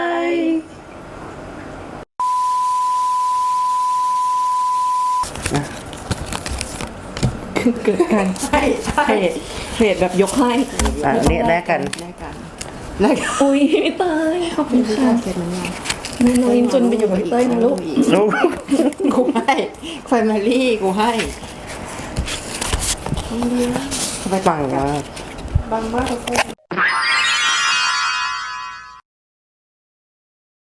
[SPEAKER 3] เกิดการ
[SPEAKER 1] ใช่ใช่
[SPEAKER 3] เพจเพจแบบยกให้
[SPEAKER 2] อ่ะเนี่ยแลกกัน
[SPEAKER 1] แลกกันแลกกัน
[SPEAKER 3] อุ้ยพี่เตยขอบคุณค่ะ
[SPEAKER 1] เสร็จมันยัง
[SPEAKER 3] แม่น้องอินจนไปอยู่กับพี่เต้ยนะลูก
[SPEAKER 2] ลูก
[SPEAKER 1] กูให้ไฟมารี่กูให้ทำไม
[SPEAKER 2] ปังมาก
[SPEAKER 3] บางมากทุกคน